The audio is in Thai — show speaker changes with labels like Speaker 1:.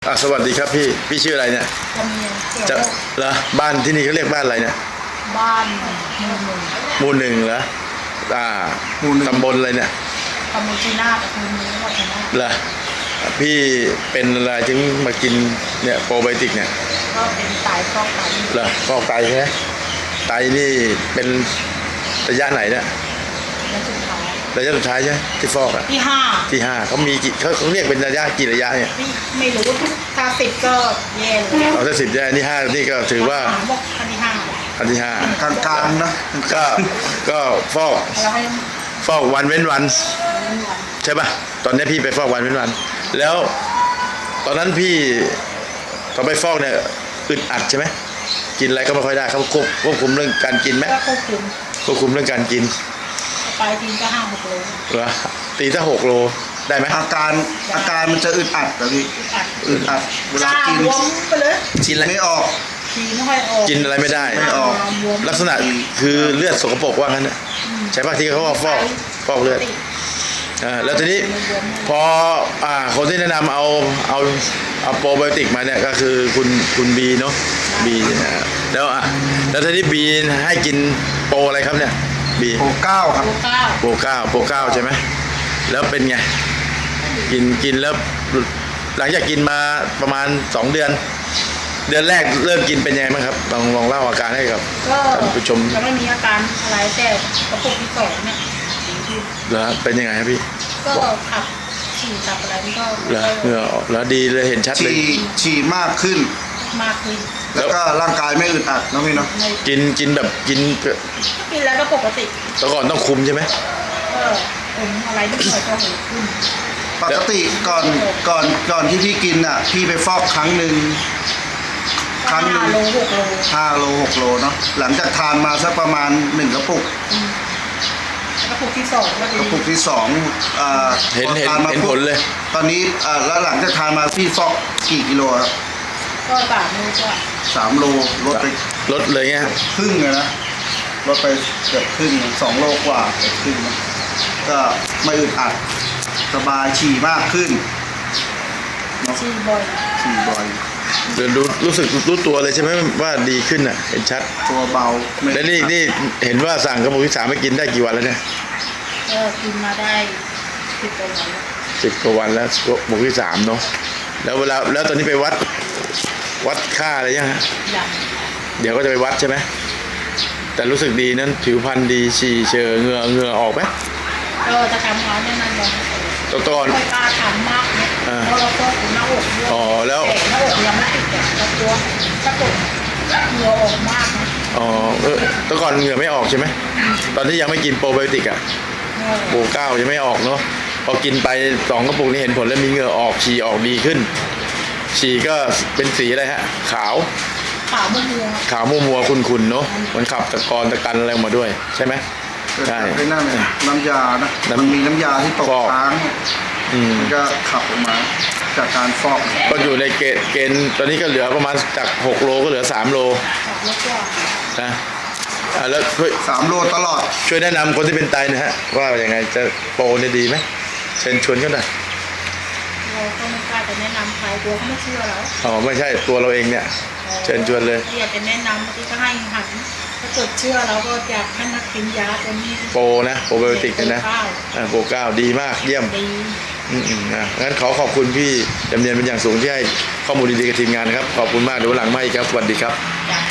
Speaker 1: สวัสดีครับพี่ชื่ออะไรเนี่ยจะเหรอบ้านที่นี่เขาเรียกบ้านอะไรเนี่ย
Speaker 2: บ้าน
Speaker 1: หมู่หนึ่งเหรอตำบลอะไรเนี่ย
Speaker 2: ตำบลชีนาตะคุณนี้ก็ชนะ
Speaker 1: เหรอพี่เป็นอะไรถึงมากินเนี่ยโปรไบโอติกเนี่ย
Speaker 2: ก็เป็นไตฟอกไต
Speaker 1: เหรอฟอกไตใช่ไหมไตนี่เป็นระยะไหนเนี่ยระยะสุดท้ายใช่ที่ฟอกอ่ะที่ห้าเขามีกี่เขาเรียกเป็นระยะกี่ระยะเนี่ย
Speaker 2: ไม่รู้ถ้า10ก็แย่เลย
Speaker 1: ถ้า10แย่นี่5นี่ก็ถือว่า
Speaker 2: อัน
Speaker 1: ที่ห้าก
Speaker 3: ลางๆนะ
Speaker 1: ก็ฟอกวันเว้นวันใช่ป่ะตอนนี้พี่ไปฟอกวันเว้นวันแล้วตอนนั้นพี่ตอนไปฟอกเนี่ยอึดอัดใช่ไหมกินอะไรก็ไม่ค่อยได้เขาควบคุมเรื่องการกินไหมควบคุมเรื่องการกิน
Speaker 2: ไปทีก็5-6 โล
Speaker 1: เหรอตีถ้า6 โลได้ไหม
Speaker 3: อาการมันจะอึดอัดแบบนี้อึดอัดเวลากิน
Speaker 2: ไปเลย
Speaker 1: กินอะไร
Speaker 3: ไม่ออก
Speaker 1: กินอะไรไม่ได้ลักษณะคือเลือดสกปรกว่างั้นใช่ป่ะที่เขาว่าฟอกเลือดแล้วทีนี้พอคนที่แนะนำเอาโปรไบโอติกมาเนี่ยก็คือคุณบีเนาะบีแล้วทีนี้บีให้กินโปรอะไรครับเนี่ยบี
Speaker 3: โปร9ครับ
Speaker 1: โปร9ใช่ไหมแล้วเป็นไงกินแล้วหลังจากกินมาประมาณ2 เดือนแรกเริ่มกินเป็นยังไงบ้างครับลองเล่าอาการให้กับท่านผู้ชม
Speaker 2: ยังไม่มีอาการอะไรแต่กระปุกที่2เนี่ย
Speaker 1: แล้วเป็นยังไงครับพี่
Speaker 2: ก็ขับฉี่ขับอะไรมันก็
Speaker 1: เหงื่อออกแล้วดีเลยเห็นชัดเลย
Speaker 3: ฉี่มากขึ้นแล้วก็ร่างกายไม่อึดอัดนะพี่เนาะ
Speaker 1: กินแบบกิน
Speaker 2: แล้วก็ปกติ
Speaker 1: แต่ก่อนต้องคุมใช่ไหม
Speaker 2: ผมอะไรนิดหน่อยก็หูขึ้น
Speaker 3: ปกติก่อนที่พี่กินอ่ะพี่ไปฟอกครั้งหนึ่ง
Speaker 2: 5 โล 6 โล
Speaker 3: 5 โล 6 โลเนาะหลังจากทานมาสักประมาณ1 กระปุก
Speaker 2: กระปุกที่2ก็ดี
Speaker 3: กระปุกที่2
Speaker 1: เห็นผลเลย
Speaker 3: ตอนนี้แล้วหลังจากทานมาพี่ฟอกกี่กิโลครับ
Speaker 2: ก็3 โลก็
Speaker 3: 3 โลลด
Speaker 1: เลยไง
Speaker 3: ครึ่งเลยนะลดไปเกือบครึ่ง2 โลกว่าเกือบครึ่งก็ไม่อึดอัดสบายฉี่มากขึ้น
Speaker 2: ฉี่บ่อย
Speaker 1: เดี๋ยวรู้ตัวเลยใช่ไหมว่าดีขึ้นอ่ะเห็นชัด
Speaker 3: ตัวเบา
Speaker 1: แล้วนี่เห็นว่าสั่งกระปุกที่3ไปกินได้กี่วันแล้วเนี่ย
Speaker 2: ก็กินมาได้
Speaker 1: 10 กว่าวันแล้วกระปุกที่3เนาะแล้วตอนนี้ไปวัดค่าอะไรยังฮะเดี๋ยวก็จะไปวัดใช่ไหมแต่รู้สึกดีนั้นผิวพรรณดีฉี่เชอเหงื่อออกไหม
Speaker 2: จะทำเขาแน่นอนเลย
Speaker 1: ตอน
Speaker 2: ไม่กล้าทำมากเนี่ยเพราะเราก็ถึงหน้าอกด้วย
Speaker 1: แล้ว
Speaker 2: หน้าอกยังไม่ติดแต่ตัวกระตุกเหงื่อออกมากนะ
Speaker 1: ตอนก่อนเหงื่อไม่ออกใช่ไหมตอนที่ยังไม่กินโปรไบโอติกโปร9ยังไม่ออกเนาะพอกินไป2 กระปุกนี้เห็นผลแล้วมีเหงื่อออกฉี่ออกดีขึ้นฉี่ก็เป็นสีอะไรฮะขาวมัวคุณเนาะมันขับตะกันอะไรมาด้วยใช่ไหม
Speaker 3: ใช่น้ำยานะมันมีน้ำยาที่ตกค้างมันก็ขับออกมาจากการฟอก
Speaker 1: ก็อยู่ในเกณฑ์ตอนนี้ก็เหลือประมาณจาก6 โลก็เหลือ3 โลนะแล้ว
Speaker 3: 3 โลตลอด
Speaker 1: ช่วยแนะนำคนที่เป็นไตนะฮะว่าอย่างไงจะโปรเนี่ยดีไหมเชิญชวนกันหน่อย
Speaker 2: เราก็ไม่กล้าจะแนะนำใครตัวเขาไม่เชื่อเรา
Speaker 1: ไม่ใช่ตัวเราเองเนี่ยเชิญชวนเลย
Speaker 2: อยากจะแนะนำที่ก็ให้หันถ้าเกิดเชื่อเราก็อยากให้มากินยาตัวนี้
Speaker 1: โปรนะโปรไบโอติกนะโปร9ดีมากเยี่ยมงั้นขอบคุณพี่จำเนียนเป็นอย่างสูงที่ให้ข้อมูลดีๆกับทีมงานนะครับขอบคุณมากเดี๋ยวหลังมาอีกครับสวัสดีครับ